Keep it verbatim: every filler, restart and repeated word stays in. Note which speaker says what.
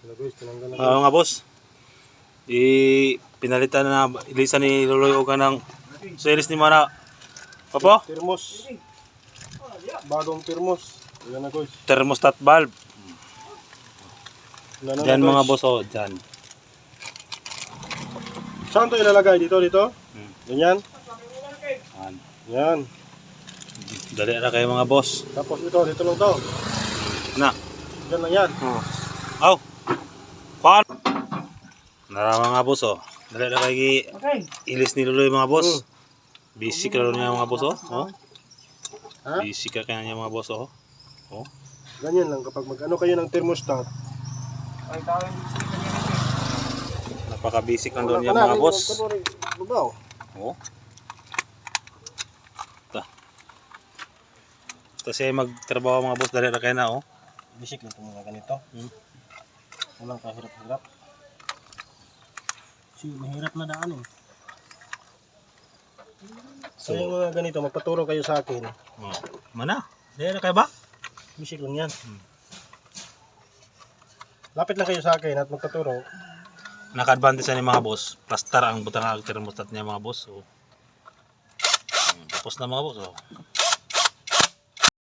Speaker 1: Uh, mga boss, i pinalitan na ilisan ni Loloy o ka ng series ni Mana. Papo?
Speaker 2: Thermos. Bagong thermos. Yan na guys.
Speaker 1: Thermostat valve.
Speaker 2: Yan na
Speaker 1: Diyan
Speaker 2: na,
Speaker 1: mga
Speaker 2: guys.
Speaker 1: boss, oh, dyan.
Speaker 2: Saan ito ilalagay? Dito, dito?
Speaker 1: Hmm.
Speaker 2: Ganyan?
Speaker 1: Yan.
Speaker 2: Yan.
Speaker 1: Dali na kayo mga boss.
Speaker 2: Tapos ito, dito lang to.
Speaker 1: Na.
Speaker 2: Yan lang yan.
Speaker 1: Oh. Aw. Pan. Nara mga boss, oh. Dali na kayo ilis ni Loloy mga boss.
Speaker 2: Hmm.
Speaker 1: Busy ka rin niya mga boss, oh. Oh.
Speaker 2: Ha?
Speaker 1: Busy ka kaya niya mga boss, oh. Oh.
Speaker 2: Ganyan lang kapag mag-ano kayo ng thermostat.
Speaker 1: Napaka-busy ka doon niya mga boss.
Speaker 2: Babaw.
Speaker 1: Oh. Ta. Kasi magtrabaho mga boss, dali na kayo na, oh.
Speaker 2: Bisik lang itong mga ganito.
Speaker 1: Hmm.
Speaker 2: Walang kahirap-hirap. Kasi mahirap na daan eh. So, yung mga ganito, magpaturo kayo sa akin.
Speaker 1: Oh. Mana? Dali na kayo ba?
Speaker 2: Bisik lang yan.
Speaker 1: Hmm.
Speaker 2: Lapit lang kayo sa akin at magpaturo.
Speaker 1: Naka-advantage na ni mga boss. Plastar ang butang ang thermostat niya mga boss. So, hmm, tapos na mga boss. Oh.